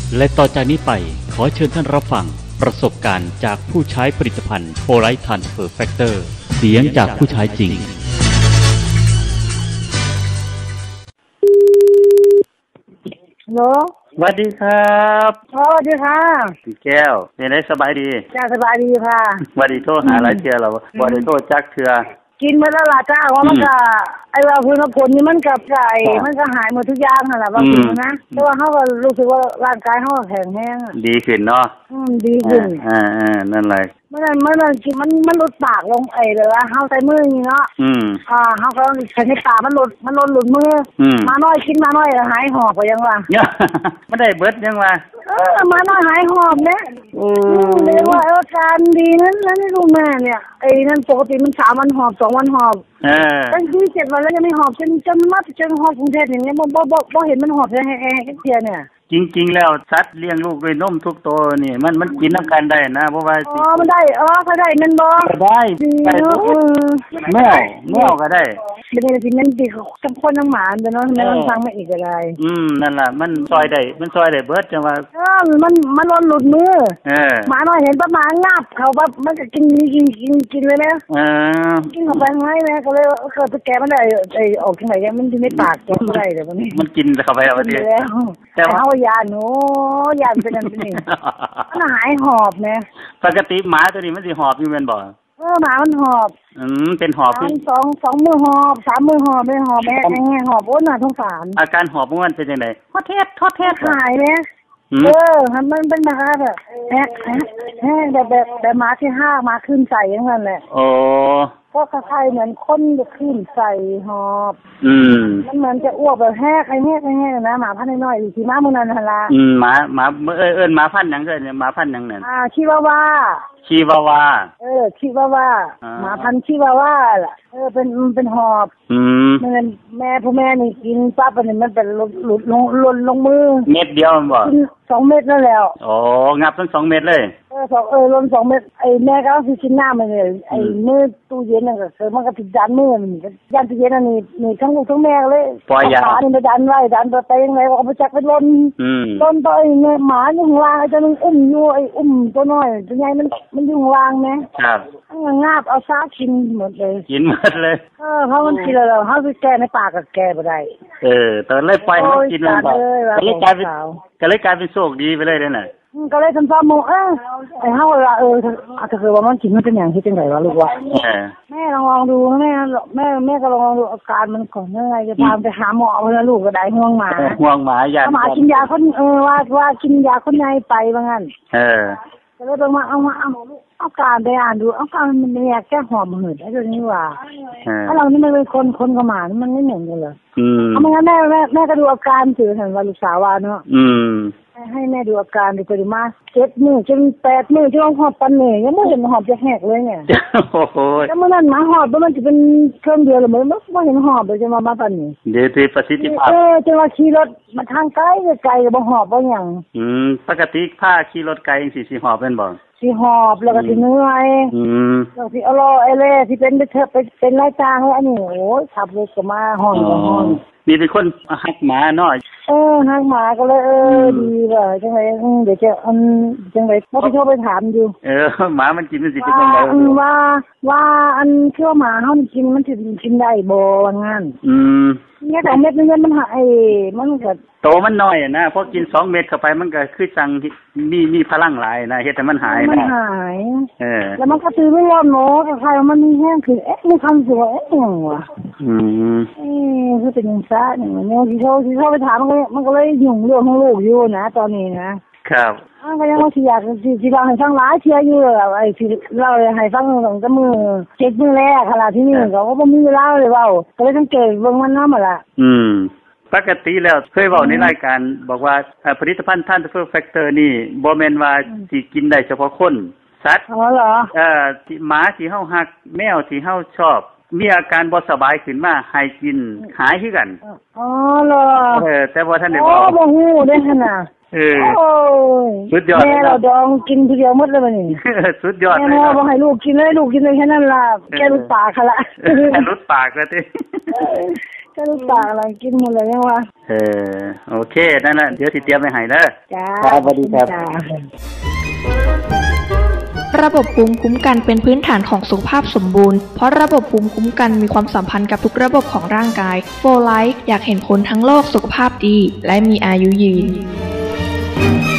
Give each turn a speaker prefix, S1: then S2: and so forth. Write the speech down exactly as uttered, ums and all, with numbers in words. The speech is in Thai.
S1: และต่อจากนี้ไปขอเชิญท่านรับฟังประสบการณ์จากผู้ใช้ผลิตภัณฑ์โพไลท์ทรานสเฟอร์แฟกเตอร์เสียงจากผู้ใช้จริง
S2: ฮัลโหล
S3: สวัสดีครับ
S2: สวัสดีค่ะ
S3: พี่แก้วเป็นไงสบายดี
S2: จ้าสบายดีค่ะ
S3: บ่ได้โทรหาหลายเทื่อแล้วบ่ได้โทรจักเทื่อ
S2: กินมาแล้วล่ะจ้าว่ามันก็ไอ้ว่าพื้นผลนี่มันกับไก่มันก็หายหมดทุกอย่างนั่นแหละว่ากินนะแต่ว่าเฮาก็รู้สึกว่าร่างกายเฮาแข็งแรง
S3: ดีขึ้นเนาะ
S2: อืมดีขึ้น
S3: อ่าๆนั่นแหละ
S2: มันมันกินมันมันลดปากลงไอ้เลยว่าเฮาใส่มือนี่เนาะ
S3: อืม
S2: อ่าเฮาก็ใช้ในปากมันลดมันลดหลุดมือมาน้อยกินมาน้อยหายหอบก็ยังว่า
S3: บ่ได้เบิดยังว่า
S2: เออมาน้อยหายหอบนะอืมเรียกว่าอาการดีนั้นนั้นลูกแม่เนี่ยไอ้นั่นปกติมันสามวันหอบสองวันหอบ
S3: เออ
S2: ตั้งที่เจ็ดวันแล้วยังไม่หอบจนจนมาจนหอบกรุงเทพอย่างเงี้ยบ่บ่บ่เห็นมันหอบแฮ่ๆเตี้ยเนี่ย
S3: จริงๆแล้วสัตว์เลี้ยงลูกด้วยนมทุกตัวนี่มันมันกินน้ำกันได้นะเพราะว่า
S2: อ๋อมันได้อ๋อเขาได้มันบ่
S3: ได้ได้แมวแมวก็ได้
S2: เป็นอะไรที่มันดีทั้งคนทั้งหมาเด้อเนาะแม่มันฟังมาอีกก็ได้
S3: อืมนั่นล่ะมันซอยได้มันซอยได้เบิดจังว่า
S2: เออมันมันหลุดมือ
S3: เออ
S2: หมาน้อยเห็นประมาณงับเขาแบบมันก็กินกินกินกินเลยนะ
S3: เออ
S2: กินเข้าไปให้แม่ก็เลยเกิดแกมันได้ไอ้ออกที่ไหนมันอยู่ในปากแกบ่ได้เด้อบัดนี้
S3: มันกินเข้าไปเอาดิ
S2: แต่ว่าเฮายาหนูยาเป็นอันนี้มันหายหอบแม่
S3: ปกติหมาตัวนี้มันสิหอบอยู่แม่นบ่
S2: เออหมามันหอบ
S3: อืมเป็นหอบ
S2: คือสอง สองมื้อหอบสามมื้อหอบไม่หอบแม่แห้งหอบโอ้น่าสงสาร
S3: อาการหอบมันเป็นจังได๋
S2: ทอดเทศทอดเทศหายแม่เออมันเป็นมาแบบแฮะแฮะแบบแบบแบบหมาที่ห้ามาขึ้นใส่อย่างนั้นแหละ
S3: อ๋อ
S2: ก็คล้ายๆเหมือนคนจะขึ้นใส่หอบ
S3: อืม
S2: มันเหมือนจะอ้วกแบบแฮะไอ้แฮะไอ้แฮะนะหมาพันธุ์น้อยๆอยู่ที่ม้ามื้อนั้นหั่นล่ะ
S3: อืมหมาหมาเอ้ยเอิ้นหมาพันธุ์หยังเด้อเนี่ยหมาพันธุ์หยังนั่น
S2: อ่าชิวาวา
S3: ชิวาวา
S2: เออชิวาวาหมาพันธุ์ชิวาวาล่ะเออเป็นเป็นหอบ
S3: อืม
S2: มันแม่ผู้แม่นี่กินปั๊บอันนี้มันเป็นหลุดลงหล่นลงมือ
S3: เม็ดเดียวมันบ่
S2: สองเม็ดนั่นแล้ว
S3: อ๋องับทั้งสองเม็ดเลย
S2: เออสองเออลงสองเม็ดไอ้แม่ก็สิกินน้ำมันเลยไอ้มือตู้เย็นนั่นก็คือมันก็ติดดันมือมันยันตู้เย็นอันนี้นี่ทั้งลูกทั้งแม่เลย
S3: ปล่อยยา
S2: นี่ไปดันไว้ดันไปยังไงก็เอาไปจักไปล้นล้นไปเนี่ยหมาอยู่ข้างล่างไอ้ตัวนึงอุ้มอยู่ไอ้อุ้มตัวน้อยตัวใหญ่มันมันอยู่ข้างล่างแม่
S3: ครับ
S2: งาบเอาซากินหมดเลย
S3: กินหมดเลย
S2: เออเพราะมันกินแล้วเฮาสิแก้ในปากก็แก้บ่ได้
S3: เออตอนเลยปล่อยมันกินมันบ่ก็เลยกลายเป็นก็เลยกลายเป็นโชคดีไปเลยเด้อน่ะ
S2: ก็เลยทำซ้ำหมู่เออไอ้เฮาว่าเออถ้าคือว่ามันกินมันเป็นหยังที่จังได๋วะลูกวะแม่ลองลองดูแม่แม่แม่ก็ลองดูอาการมันก่อนยังไงจะพาไปหาหมอเพิ่นลูกก็ได้ห่วงหมา
S3: ห่วงหมาญาติ
S2: หมากินยาคนเออว่าว่ากินยาคนใหญ่ไปว่างั้น
S3: เออ
S2: ก็เลยต้องมาเอามาเอาเอาการไปอ่านดูเอาการมันเนี่ยแก้หอบหืดไอ้ตัวนี้ว่าถ้าเรานี่มันเป็นคนคนกับหมามันไม่เหมือนกันเลย
S3: อืม
S2: เอาไม่งั้นแม่แม่แม่ก็ดูอาการสื่อเห็นว่าลูกสาวว่าเนาะ
S3: อืม
S2: ให้แม่ดูอาการดูไปดูมาเจ็ดมื้อจนแปดมื้อจนหอบปันเนี่ยยังไม่เห็นหอบจะแหกเลยเนี่ย
S3: โอ้โห
S2: แล้วเมื่อนั้นหมาหอบมันจะเป็นเครื่องเดียวหรือมันไม่เห็นหอบเลยจะมามาปันนี่
S3: เดี๋ยวที่ประสิทธิภาพ
S2: เออจะมาขี่รถมาทางไกลไกลบ่หอบบ่หยัง
S3: อืมปกติพาขี่รถไกลจังซี่สิหอบเป็นบ่
S2: สิหอบแล้วก็สิเหนื่อย
S3: อืม
S2: แล้วสิอรอไอ้แลสิเป็นเถอะเป็นรายจางอันนี้โอ้ยขับรถก็มาห้องก็ห้อง
S3: นี่เป็นคนฮักหมาเนาะ
S2: เออฮักหมาก็เลยเออดีว่าจังได๋เดี๋ยวจะอันจังได๋บ่ไปโทรไปถามอยู่
S3: เออหมามันกินมันสิเป็นจังได๋
S2: ว่าว่าอันคือหมาเฮากินมันสิกินได้บ่ว่างั้น
S3: อืม
S2: เนี่ยแต่เม็ดนึงมันหายมันก็
S3: โตมันน้อยนะพอกินสองเม็ดเข้าไปมันก็คือจังมีมีพลังหลายนะเฮ็ดให้มันหายนะ
S2: มันหาย
S3: เออ
S2: แล้วมันก็ตื่นไม่ยอมเนาะก็ใครมันมีแห้งคือเอ๊ะมีคำสวยเอ๊ะจังวะ
S3: อืม
S2: เอ๊ะคือเป็นจังซ่าเนี่ยมันเนี่ยสิโทรสิโทรไปถามมันก็มันก็เลยยุ่งเรื่องของลูกอยู่นะตอนนี้นะครับอ้าวก็ยังว่าสิอยากสิสิเล่าให้ฟังหลายเที่ยอยู่ไอ้สิเล่าให้ฟังตั้งแต่มื้อเจ็ดมื้อแรกขนาดที่นี่ก็บ่มีเวลาเลยเว้าก็เลยสังเกตเบิ่งมันนำล่ะ
S3: อืมปกติแล้วเคยเว้าในรายการบอกว่าผลิตภัณฑ์ทรานสเฟอร์แฟคเตอร์นี่บ่แม่นว่าสิกินได้เฉพาะคนสัตว์
S2: อ๋อเหรอ
S3: เอ่อหมาที่เฮารักแมวที่เฮาชอบมีอาการบ่สบายขึ้นมาให้กินหายคือกัน
S2: อ๋อเหรอ
S3: เออแต่บ่ทันได้
S2: เว้าอ๋อบ่ฮู้เด้หั่นน่ะ
S3: เออ
S2: โอ้ย
S3: สุดยอด
S2: แม่เราดองกินทีเดียวหมดเลยบัดนี้
S3: สุดยอดเลย
S2: แม่บ่ให้ลูกกินเลยลูกกินเลยแค่นั้นล่ะแกรุดปากค่ะล่ะ
S3: แกรุดปากแล้วติ
S2: ก็ลูกปากอะไรกินหมดเลยยังวะ
S3: เออโอเคนั่นแหละเดี๋ยวสิเตรียมไว้ให้เด้อ
S2: จ้า
S3: ครับสวัสดีครับ
S4: ระบบภูมิคุ้มกันเป็นพื้นฐานของสุขภาพสมบูรณ์เพราะระบบภูมิคุ้มกันมีความสัมพันธ์กับทุกระบบของร่างกายโฟร์ไลฟ์อยากเห็นคนทั้งโลกสุขภาพดีและมีอายุยืน